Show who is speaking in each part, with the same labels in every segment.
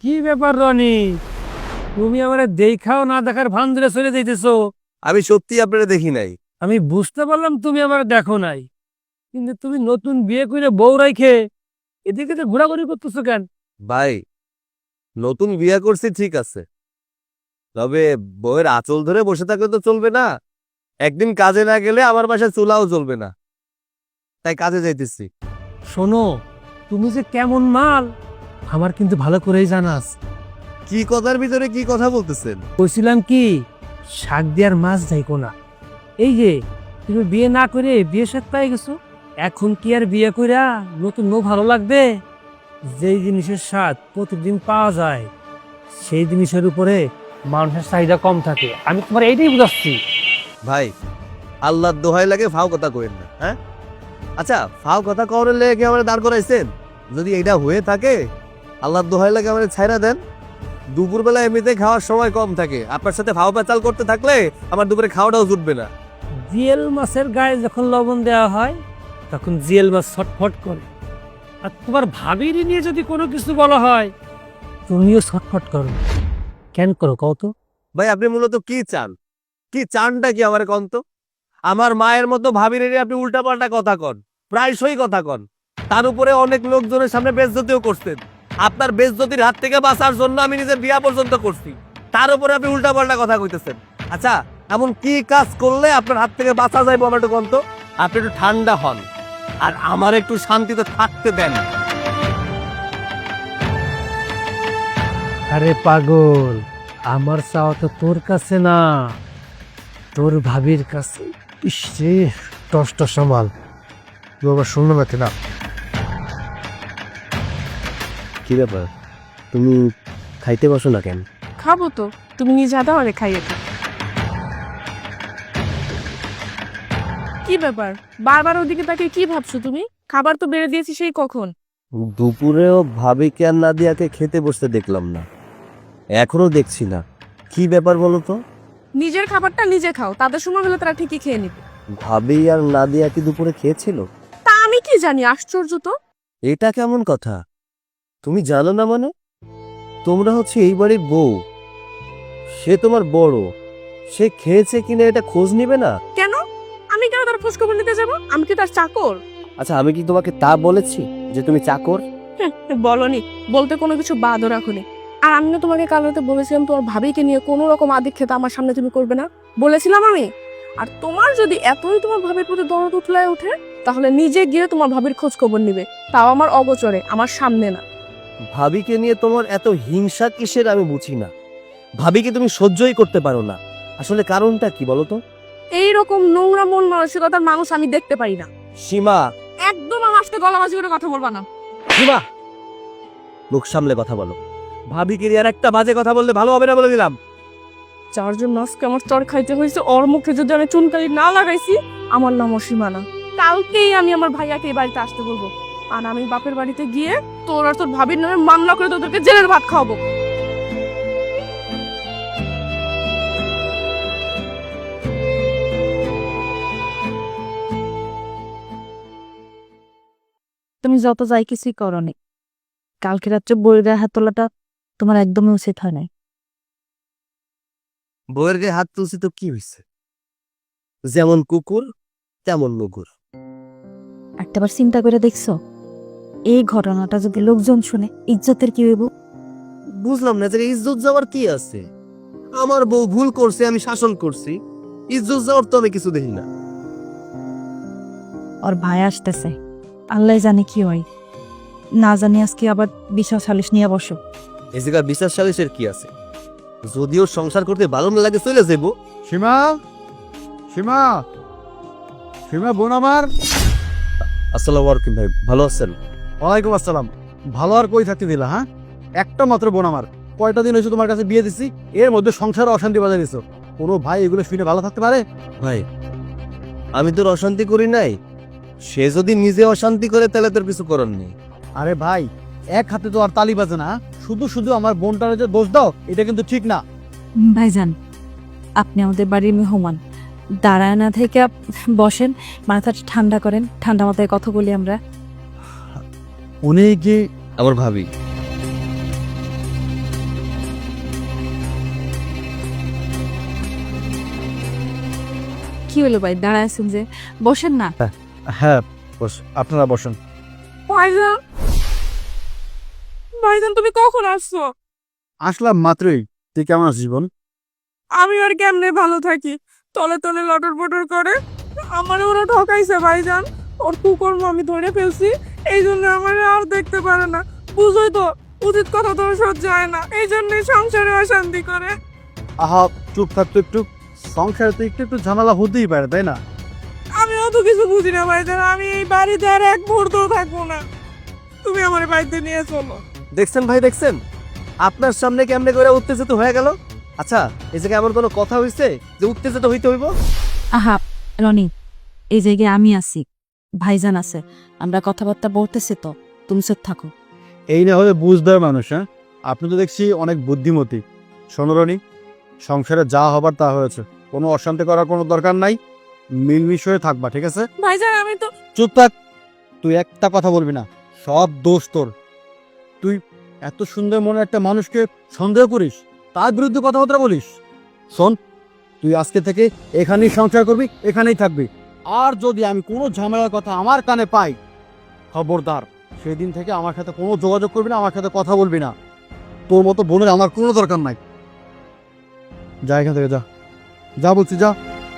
Speaker 1: কি ব্যাপার রনি, তুমি আমার দেখাও না দেখার ভান ধরে চলে যাইতেছো?
Speaker 2: আমি সত্যি আপনারা দেখি নাই।
Speaker 1: আমি বুঝতে পারলাম তুমি আমার দেখো নাই, কিন্তু তুমি নতুন বিয়ে করে বউ রাইখে এদিকে তো ঘোরাঘুরি করতেছো কেন?
Speaker 2: ভাই, নতুন বিয়ে করছি ঠিক আছে, তবে বউয়ের আঁচল ধরে বসে থাকলে তো চলবে না। একদিন কাজে না গেলে আমার বাসায় চুলাও চলবে না, তাই কাজে যাইতেছি।
Speaker 1: শোনো, তুমি যে কেমন মাল আমার কিন্তু ভালো করেই জানাস।
Speaker 2: কি কথার ভিতরে কি কথা বলতেছেন?
Speaker 1: কইছিলাম কি, শাক দিয়ার মাছ যাইকো না। এই যে তুমি বিয়ে না করে বিয়ে সাথ পাই গেছো, এখন কি আর বিয়ে কইরা নতুন বউ ভালো লাগবে? যেই জিনিসের স্বাদ প্রতিদিন পাওয়া যায় সেই জিনিসের উপরে মানুষের চাহিদা কম থাকে। আমি তোমার এইটাই বুঝাচ্ছি।
Speaker 2: ভাই, আল্লাহর দোহাই লাগে ফাও কথা কইেন না। হ্যাঁ, আচ্ছা, ফাও কথা কওয়ার লেগে কি আমার দাঁড় করাইছেন? যদি এটা হয়ে থাকে, আল্লাহর দোহাই লাগে আমার ছাইরা দেন। দুপুরবেলা এমনিতে খাওয়ার সময় কম থাকে, আপনার সাথে ফাও পেঁচাল করতে থাকলে আমার দুপুরে খাওয়াটাও জুটবে না।
Speaker 1: জিয়েল মাছের গায়ে যখন লবণ দেওয়া হয় তখন জিয়েল মাছ ছটফট করে, আর তোমার ভাবির নিয়ে যদি কোনো কিছু বলা হয় তুমিও ছটফট করো। কেন করো কও তো?
Speaker 2: ভাই, আপনি মূলত কি চান? কি চানটা কি আমার কন্ত? আমার মায়ের মতো ভাবির এনে আপনি উল্টাপাল্টা কথা কন, প্রায়শই কথা কন। তার উপরে অনেক লোকজনের সামনে বেজ্জতিও করছেন। আপনার বেজ্জতির হাত থেকে বাঁচার জন্য আমি নিজের বিয়া পর্যন্ত করছি, তার উপরে আপনি উল্টাপাল্টা কথা কইতেছেন। আচ্ছা, এমন কি কাজ করলে আপনার হাত থেকে বাঁচা যাইবো আমার একটু কন্ত? আপনি একটু ঠান্ডা হন আর আমার একটু শান্তিতে থাকতে দেন।
Speaker 1: আরে পাগল, আমার চাওয়া তো তোর কাছে না, তোর ভাবির কাছে। ইসে টস সামাল, তুই আবার শুনলো নাকি না?
Speaker 2: কি ব্যাপার, তুমি খাইতে বসো না কেন?
Speaker 3: খাবো তো, তুমি নিজে দাও আরে খাইয়ে তো। কি ব্যাপার, বারবার ওদিকে তাকে কি ভাবছো তুমি? খাবার তো বেড়ে দিয়েছি সেই কখন।
Speaker 2: দুপুরেও ভাবিকে আর নাদিয়াকে খেতে বসতে দেখলাম না, এখনো দেখছি না। কি ব্যাপার বলো তো?
Speaker 3: নিজের খাবারটা নিজে খাও, তাদের সময় হলে তারা ঠিকই খেয়ে নিবে।
Speaker 2: ভাবি আর নাদিয়া কি দুপুরে খেয়েছিল?
Speaker 3: তা আমি কি জানি, আশ্চর্য তো।
Speaker 2: এটা কেমন কথা? তুমি জানো না মানে? তোমরা হচ্ছে এই বাড়ির বউ, সে তোমার বড়, সে খেয়েছে কিনা এটা খোঁজ নিবে না?
Speaker 3: কেন? আমি কেন তার খোঁজ খবর নিতে যাবো? আমি কি তার চাকর?
Speaker 2: আচ্ছা, আমি কি তোমাকে তা বলেছি যে তুমি চাকর?
Speaker 3: বলনি, বলতে কোনো কিছু বাদও রাখোনি। আর আমি না তোমাকে কাল রাতে বলেছিলাম তোমার ভাবিকে নিয়ে কোনো রকম আদিক্ষেতা আমার সামনে তুমি করবে না, বলেছিলাম আমি। আর তোমার যদি এতই তোমার ভাবির প্রতি দরদ উঠলায় ওঠে, তাহলে নিজে গিয়ে তোমার ভাবির খোঁজ খবর নিবে, তাও আমার অগোচরে, আমার সামনে না।
Speaker 2: ভাবিকে নিয়ে তোমার এত হিংসা কিসের আমি বুঝি না। ভাবিকে তুমি সহ্যই করতে পারো না, আসলে কারণটা কি বলো তো?
Speaker 3: এইরকম নোংরা মন মানসিকতার মানুষ আমি দেখতে পারি না।
Speaker 2: সীমা,
Speaker 3: একদম আমার সাথে গলাবাজি করে কথা বলবা না।
Speaker 2: সীমা, মুখ সামলে কথা বলো। ভাবিকে নিয়ে আর একটা বাজে কথা বললে ভালো হবে না বলে দিলাম।
Speaker 3: চারজন মাসকে আমার চর খাইতে হয়েছে, ওর মুখে যদি আমি চুনকালি না লাগাইছি, আমার নাম অসীমা না। কালকেই আমি আমার ভাইয়াকে এই বাড়িতে আসতে বলবো, আর আমি বাপের বাড়িতে গিয়ে তোর আর তোর ভাবির নামে মামলা করে তোদেরকে জেলের ভাত খাওয়াবো।
Speaker 4: তুমি যত যাই কিছুই করনি, কালকে রাত্রে বইয়ের গায়ে হাত তোলাটা তোমার একদমই উচিত হয় নাই।
Speaker 2: বউয়ের গায়ে হাত তুলছি তো কি হয়েছে? যেমন কুকুর তেমন মুগুর।
Speaker 4: একটাবার চিন্তা করে দেখছো, এই ঘটনাটা যদি লোকজন শুনে ইজ্জতের কি হইব?
Speaker 2: বুঝলাম না যে ইজ্জত যাওয়ার কি আছে? আমার বউ ভুল করছে, আমি শাসন করছি, ইজ্জত যাওয়ার তো আমি কিছু দেখি না।
Speaker 4: ওর ভাই আসতেছে, আল্লাহ জানে কি হয়। না জানি আজকে আবার বিশাল সালিশ নিয়ে বসো।
Speaker 2: এই জায়গায় বিশ্বাস সালিশের কি আছে? যদিও সংসার করতে ভালো না লাগে চলে যাবো।
Speaker 5: সীমা, সীমা, সীমা বোন আমার।
Speaker 2: আসসালামু আলাইকুম ভাই, ভালো আছেন?
Speaker 5: ওয়ালাইকুম আসসালাম। ভালো আর কই থাকতে দিলা? হ্যাঁ, একটা মাত্র বোন আমার, কয়টা দিন হয়েছে তোমার কাছে বিয়ে দিচ্ছি, এর মধ্যে সংসারে অশান্তি বাজায় দিছো। কোনো ভাই এগুলো শুনে ভালো থাকতে পারে?
Speaker 2: ভাই, আমি তোর অশান্তি করি নাই, সে যদি নিজে অশান্তি করে তাহলে তোর কিছু করার নেই।
Speaker 5: আরে ভাই, এক হাতে তো আর তালি বাজে না, শুধু শুধু আমার বোনটারে যে দোষ দাও এটা কিন্তু ঠিক না।
Speaker 4: ভাইজান, আপনি আমাদের বাড়ির মেহমান, দাঁড়ায় না থেকে বসেন, মাথাটা ঠান্ডা করেন, ঠান্ডা মাথায় কথা বলি আমরা।
Speaker 5: উনি কি?
Speaker 2: আমার ভাবি।
Speaker 4: কি হলো ভাই, দাঁড়ায় আছেন যে? বসেন না।
Speaker 5: হ্যাঁ বস, আপনারা বসেন।
Speaker 3: ভাইজান, ভাইজান তুমি কখন আসছো?
Speaker 5: আসলাম মাত্রই। তুই কেমন আছিস বোন?
Speaker 3: আমি আর কেমনে ভালো থাকি, তলে তলে লটর পটর করে। আমার ওরা ঠকাইছে ভাইজান, ওর কুকর্ম আমি ধরে ফেলছি, এই জন্য আমার আর দেখতে পারে না। বুঝোই তো, উচিত কথা তো সহ্য হয় না, এই জন্যই সংসারে অশান্তি করে।
Speaker 5: আহা চুপ থাক তো একটু। সংসারে তো একটু একটু ঝামেলা হতেই পারে, তাই না?
Speaker 3: আমি অত কিছু বুঝি না ভাইজান, আমি এই বাড়িতে আর এক মুহূর্তও থাকবো না। তুমি আমার বাড়িতে নিয়ে চলো।
Speaker 2: দেখছেন ভাই, দেখছেন আপনার সামনে কেমনে করে উত্তেজিত হয়ে গেল। আচ্ছা, এই জায়গায় এমন কোনো কথা হইছে যে উত্তেজিত হইতে হইব?
Speaker 4: আহা রনি, এই জায়গায় আমি আছি, ভাইজান আছে, আমরা কথাবার্তা বলতেছি তো, তুমি চুপ থাকো।
Speaker 5: এই না হলে বুঝদার মানুষ। হ্যাঁ, আপনি তো দেখছি অনেক বুদ্ধিমতী। শোনো রনি, সংসারে যা হবার তা হয়েছে, কোনো অশান্তি করার কোনো দরকার নাই। মিলমিশ হয়ে থাকবা, ঠিক আছে?
Speaker 3: ভাইজান আমি তো
Speaker 5: চুপ থাক, তুই একটা কথা বলবি না, সব দোষ তোর। তুই এত সুন্দর মনে একটা মানুষকে সন্দেহ করিস, তার বিরুদ্ধে কথাবার্তা বলিস। শোন, তুই আজকে থেকে এখানেই সংসার করবি, এখানেই থাকবি। আর যদি আমি কোনো ঝামেলার কথা আমার কানে পাই, খবরদার, সেদিন থেকে আমার সাথে কোনো যোগাযোগ করবি না, আমার সাথে কথা বলবি না। তোর মতো বোনের আমার কোনো দরকার নাই। যা এখান থেকে, যা যা বলছি, যা।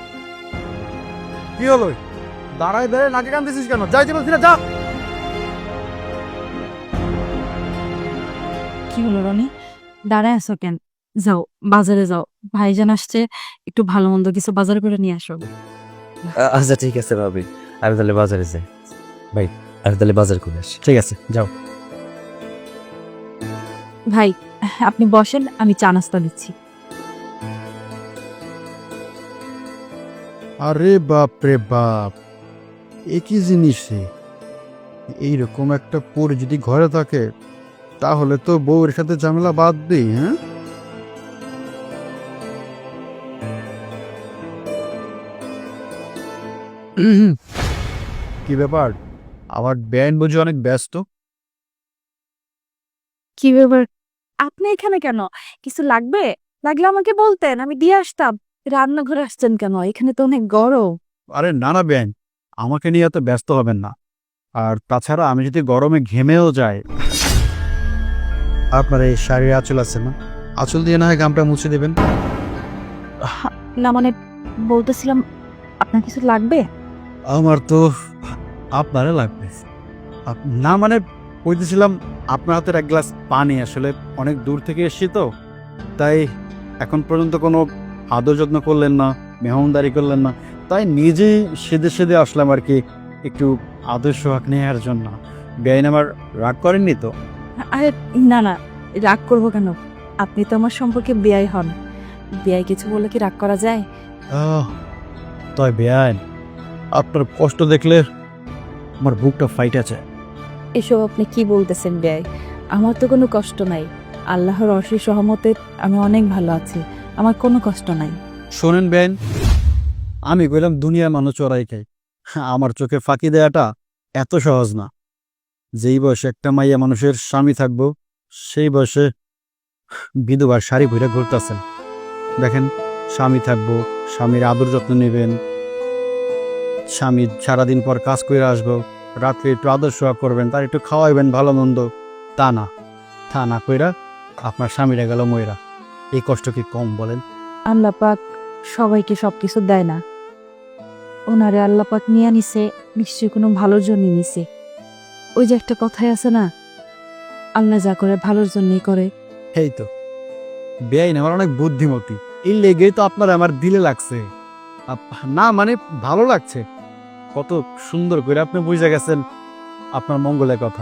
Speaker 5: কি হলো? দাঁড়ায় দাঁড়ায় নাকে কান দিছিস কেন? যাইতে বলছি না, যা।
Speaker 4: কি হলো রনি, দাঁড়ায় আছো কেন? যাও বাজারে যাও, ভাইজান আসছে, একটু ভালো মন্দ কিছু বাজার করে নিয়ে আসো।
Speaker 2: আচ্ছা ঠিক আছে ভাবি, আমি তাহলে বাজারে যাই। ভাই, আমি তাহলে বাজার করে আসি।
Speaker 5: ঠিক আছে, যাও।
Speaker 4: ভাই আপনি বসেন, আমি চা নাস্তা দিচ্ছি।
Speaker 5: আরে বাপ রে বাপ, একই জিনিস। এইরকম একটা পর যদি ঘরে থাকে, তাহলে তো বউয়ের সাথে ঝামেলা বাদ দিই। হ্যাঁ, কি ব্যাপার? আমার ব্যান্ড বুঝি অনেক ব্যস্ত।
Speaker 4: কি ব্যাপার, আপনি এখানে কেন? কিছু লাগবে? লাগলে আমাকে বলতেন, আমি দিয়ে আসতাম। রান্নাঘরে আসছেন কেন? এখানে তো অনেক গরম।
Speaker 5: আরে না না ব্যান্ড, আমাকে নিয়ে এত ব্যস্ত হবেন না। আর তাছাড়া আমি যদি গরমে ঘেমেও যাই, আপনার এই শাড়ির আঁচল আছে না, আঁচল দিয়ে না হয় গামটা মুছে দেবেন।
Speaker 4: না মানে বলতেছিলাম, আপনার কিছু লাগবে?
Speaker 5: আমার তো আপনারে লাগবে। না মানে বলতেছিলাম, আপনার হাতের এক গ্লাস পানি, আসলে অনেক দূর থেকে এসেছি তো, তাই এখন পর্যন্ত কোনো আদর যত্ন করলেন না, মেহমানদারি করলেন না, তাই নিজেই সেদে সেদে আসলাম আর কি, একটু আদর সোহাগ নেওয়ার জন্য। বেআইন আমার রাগ করেননি তো?
Speaker 4: আরে না না, রাগ করবো কেন? আপনি তো আমার সম্পর্কে বেয়াই হন, বেয়াই কিছু বলে কি রাগ করা যায়?
Speaker 5: তাই বেআইন, আপনার কষ্ট দেখলে আমার বুকটা ফাইটেছে।
Speaker 4: এসব আপনি কি বলতেছেন বেয়াই? আমার তো কোনো কষ্ট নাই, আল্লাহর অশেষ রহমতে আমি অনেক ভালো আছি, আমার কোনো কষ্ট নাই।
Speaker 5: শোনেন বেআইন, আমি কইলাম দুনিয়ার মানুষ চড়াই খাই, আমার চোখে ফাঁকি দেয়াটা এত সহজ না। যেই বয়সে একটা মাইয়া মানুষের স্বামী থাকবো, সেই বয়সে বিধবার শাড়ি ভরে ঘুরতেছেন। দেখেন, স্বামী থাকবো, স্বামীর আদর যত্ন নেবেন, স্বামী সারাদিন পর কাজ করে আসবো, রাত্রে একটু আদর সোহাগ করবেন, তার একটু খাওয়াইবেন ভালো মন্দ। তা না কইরা আপনার স্বামীরা গেল ময়রা। এই কষ্ট কি কম বলেন?
Speaker 4: আল্লাহ পাক সবাইকে সবকিছু দেয় না, ওনারে আল্লাহ পাক নিয়ে নিছে, নিশ্চয়ই কোনো ভালোর জন্য নিছে। ওই যে একটা কথাই আছে না, আল্লাহ যা করে ভালোর জন্যই করে।
Speaker 5: এই তো বেআইন আমার অনেক বুদ্ধিমতী, এই লেগেই তো আপনার আমার দিলে লাগছে। না মানে ভালো লাগছে, কত সুন্দর করে আপনি বুঝে গেছেন আপনার মঙ্গলের কথা।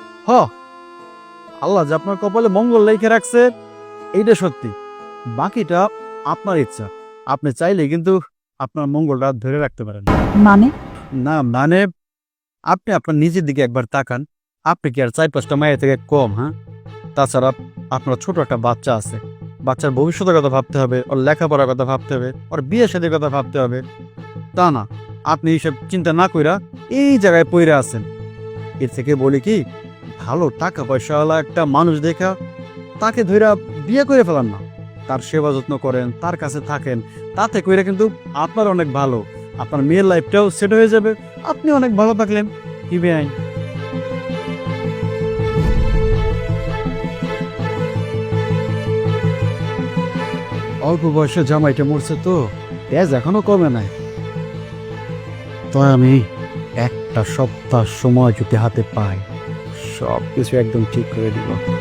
Speaker 5: আল্লাহ যে আপনার কপালে মঙ্গল লিখে রাখছে, এইটা সত্যি। বাকিটা আপনার ইচ্ছা, আপনি চাইলে কিন্তু আপনার মঙ্গলটা ধরে রাখতে পারেন।
Speaker 4: মানে?
Speaker 5: না মানে আপনি আপনার নিজের দিকে একবার তাকান, আপনি কি আর 4-5টা মায়ের থেকে কম? হ্যাঁ, তাছাড়া আপনার ছোট একটা বাচ্চা আছে, বাচ্চার ভবিষ্যতের কথা ভাবতে হবে, ওর লেখাপড়ার কথা ভাবতে হবে, ওর বিয়ে শাদীর কথা ভাবতে হবে। তা না, আপনি এইসব চিন্তা না কইরা এই জায়গায় পইরা আছেন। এর থেকে বলি কি, ভালো টাকা পয়সাওয়ালা একটা মানুষ দেখা তাকে ধইরা বিয়ে করে ফেলান না, তার সেবা যত্ন করেন, তার কাছে থাকেন, তাতে কইরা কিন্তু আপনার অনেক ভালো। আপনার মেয়ের লাইফটাও সেট হয়ে যাবে, আপনি অনেক ভালো থাকলেন। কি বেআইন? অল্প বয়সে জামাইটা মরছে তো, তেজ এখনো কমে নাই। তো আমি একটা সপ্তাহ সময় যদি হাতে পাই, সব কিছু একদম ঠিক করে দিব।